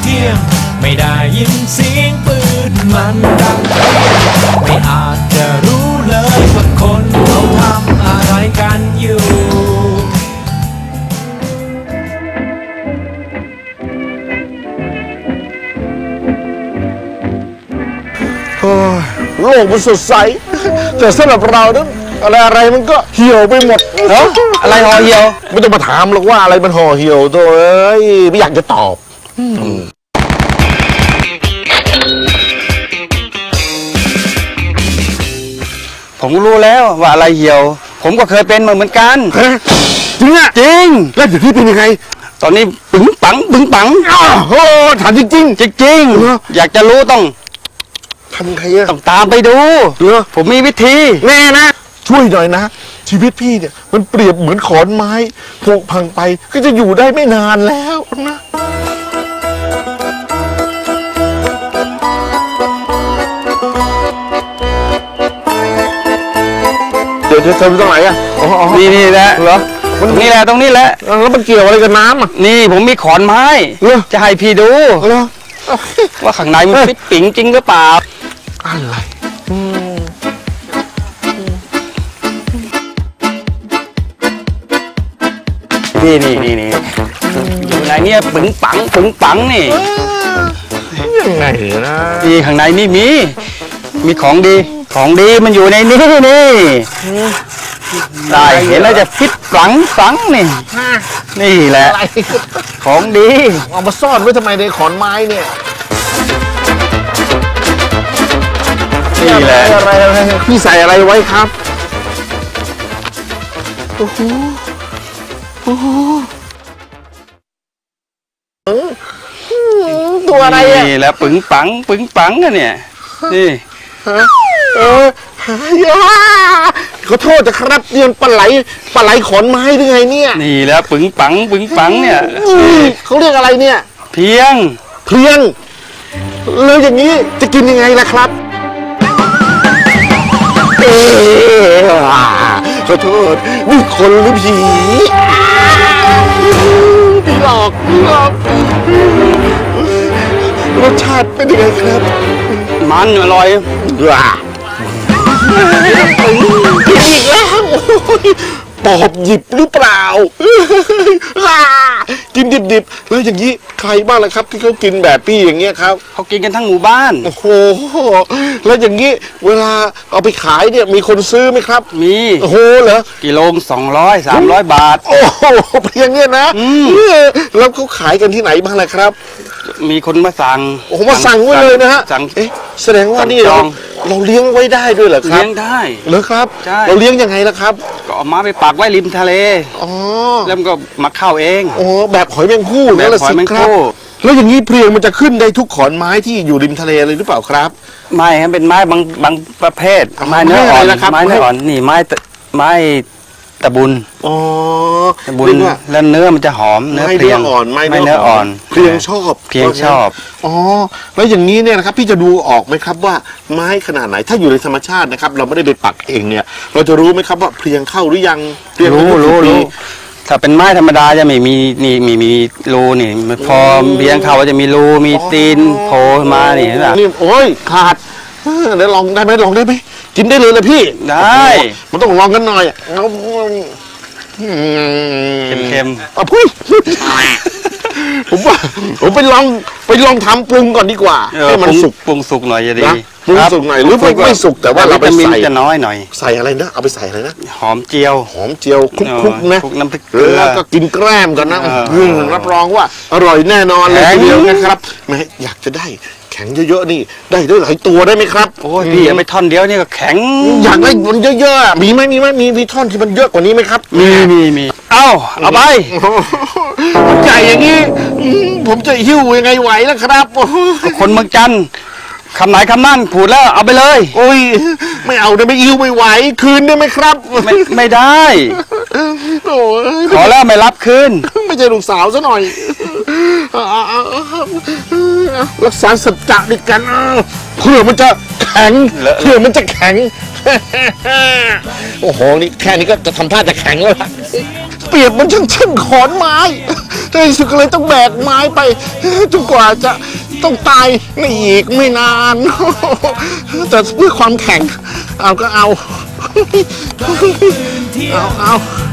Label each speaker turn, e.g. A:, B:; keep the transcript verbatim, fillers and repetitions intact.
A: ที่ยงไม่ได้ยินเสียงปืนมันดังไม่อาจจะรู้เลยว่าคนเขาทำอะไรกันอยู่
B: โลกมันสดใสแต่สำหรับเรานั้นอะไรอะไรมันก็เหี่ยวไปหมดเนาะอะไรห่อเหี่ยวไม่ต้องมาถามหรอกว่าอะไรมันห่อเหี่ยวตัวเอ้ยไม่อยากจะตอบ
C: ผมรู้แล้วว่าอะไรเหี่ยวผมก็เคยเป็นมาเหมือนกัน
B: จริงอ่ะจริงแล้วเดี๋ยวพี่เป็นยังไง
C: ตอนนี้ปึ๋งปังปึ๋งปัง
B: อ้าวโหถามจริงจริง
C: จริงจริงอยากจะรู้ต้อง
B: ทำใครอะ
C: ต้องตามไปดูผมมีวิธี
B: แน่นะช่วยหน่อยนะชีวิตพี่เนี่ยมันเปรียบเหมือนขอนไม้ผุพังไปก็จะอยู่ได้ไม่นานแล้วนะเดี๋ยวเธอเธอตรงไหนอะ
C: นี่นี่แหละเหรอตรงนี้แหละตรงนี้แหละ
B: แล้วมันเกี่ยวอะไรกับน้ำอ่ะ
C: นี่ผมมีขอนไม้จะให้พี่ดูว่าข้างในมันฟิตปิ๋งจริงหรือเปล่า
B: อะไร
C: นี่นี่นี่นี่อยู่ในนี้ปึ๋งปังปึ๋งปังนี่
B: ยังไงนะ
C: นี่ข้างในนี่มีมีของดีของดีมันอยู่ในนี้นี่ได้เห็นแล้วจะฟิตฝังฝังนี่นี่แหละของดี
B: เอามาซ่อนไว้ทำไมในขอนไม้เนี่ย
C: นี่แหละ
B: อะไรอะไรพี่ใส่อะไรไว้ครับโอ้โหโอ้โหตัวอะไรอ่ะ
C: นี่แหละปึ๋งปังปึ๋งปังกันเนี่ยนี่
B: เออขอโทษนะครับเรียนปลาไหลปลาไหลขอนไม้หรือไงเนี่ย
C: นี่แหละปึ๋งปังปึ๋งปังเนี่ย
B: เขาเรียกอะไรเนี่ย
C: เพียง
B: เพียงแล้วอย่างนี้จะกินยังไงล่ะครับเออขอโทษนี่คนหรือผีผีหลอกผีหลอกรสชาติเป็นยังไงครับ
C: มันอร่อย
B: ว้ากินอีกแล้วปอบหยิบหรือเปล่ากินดิบๆแล้วอย่างนี้ใครบ้างล่ะครับที่เขากินแบบพี่อย่างเงี้ยครับ
C: เขากินกันทั้งหมู่บ้าน
B: โอ้โหแล้วอย่างนี้เวลาเอาไปขายเนี่ยมีคนซื้อไหมครับ
C: มี
B: โอ้โหเหรอ
C: กิโลสองร้อยสามร้อยบาท
B: โอ้โหเพียงเนี้ยนะแล้วเขาขายกันที่ไหนบ้างล่ะครับ
C: มีคนมาสั่ง
B: โอ้โหมาสั่งไว้เลยนะฮะเอ๊ะแสดงว่านี่เราเราเลี้ยงไว้ได้ด้วยเหรอครับ
C: เลี้ยงได้
B: เหรอครับเราเลี้ยงยังไงล่ะครับ
C: ก็เอามาไปปักไว้ริมทะเล
B: อ๋อ
C: แล้วมันก็มาเข้าเอง
B: อ๋อแบบหอยแมงภู่
C: แบบหอยแมงภู่
B: แล้วอย่างนี้เพลียงมันจะขึ้นได้ทุกขอนไม้ที่อยู่ริมทะเลเลยหรือเปล่าครับ
C: ไม่ครับเป็นไม้บางบางประเภทไม้เนื้ออ่อนไม้เนื้ออ่อนนี่ไม้ไม้ตะบุญ
B: อ๋อ
C: ตะบุญแล้วเนื้อมันจะหอมเนื้อเพลียง
B: อ่อนไม้
C: เนื้ออ่อน
B: เพลียงชอบ
C: เพลียงชอบ
B: อ๋อแล้วอย่างนี้เนี่ยนะครับพี่จะดูออกไหมครับว่าไม้ขนาดไหนถ้าอยู่ในธรรมชาตินะครับเราไม่ได้ไปปักเองเนี่ยเราจะรู้ไหมครับว่าเพลียงเข้าหรือยัง
C: รู้รู้รู้ถ้าเป็นไม้ธรรมดาจะไม่มีนี่มีมีรูนี่พอเพลียงเข้าจะมีรูมีตีนโผล่มานี่เห็นป่ะ
B: นี่โอ้ยขาดเดี๋ยวลองได้ไหมลองได้ไหมกินได้เลยเลยพี่
C: ได้
B: มันต้องลองกันหน่อย
C: เค็ม
B: ๆอ่ะพี่ผมว่าผมไปลองไปลองทำปรุงก่อนดีกว่าให้มันสุก
C: ปรุงสุกหน่อยจะดี
B: ปรุงสุกหน่อยหรือไม่ไม่สุกแต่ว่าเราไปใส่
C: จะน้อยหน่อย
B: ใส่อะไรนะเอาไปใส่อะไรนะ
C: หอมเจียว
B: หอมเจียวคลุกๆนะ
C: คลุกน้ำพริกเกลือ
B: แล้วก็กินแกล้มกันนะรับรองว่าอร่อยแน่นอนเลยทีเดียวนะครับแม่อยากจะได้แข็งเยอะๆนี่ได้ได้หลายตัวได้ไหมครับ
C: โอ้ยพี่ไม่ท่อนเดียวนี่ก็แข็ง
B: อยากได้มันเยอะๆมีไหมมีไหมมีมีท่อนที่มันเยอะกว่านี้ไหมครับ
C: มีมีมีเอ้าเอาไป
B: ใหญ่อย่างนี้ผมจะหิ้วยังไงไหวล่ะครับ
C: คนเมืองจันทร์คำไหนคำนั่นพูดแล้วเอาไปเลย
B: โอ้ยไม่เอาได้ไม่หิ้วไม่ไหวคืนได้ไหมครับ
C: ไม่ไม่ได้ขอแล้วไม่รับคืน
B: ไม่ใช่ลูกสาวซะหน่อยรักษาสัจจะด้วยกันเพื่อมันจะแข็ง
C: เลอะ
B: เผื่อมันจะแข็ง โอ้โหนี่แค่นี้ก็จะทำท่าจะแข็งแล้วล่ะเปรียบมันช่างเช่นขอนไม้ในที่สุดก็เลยต้องแบกไม้ไปจนกว่าจะต้องตายในอีกไม่นาน แต่เพื่อความแข็งเอาก็เอา เอาเอา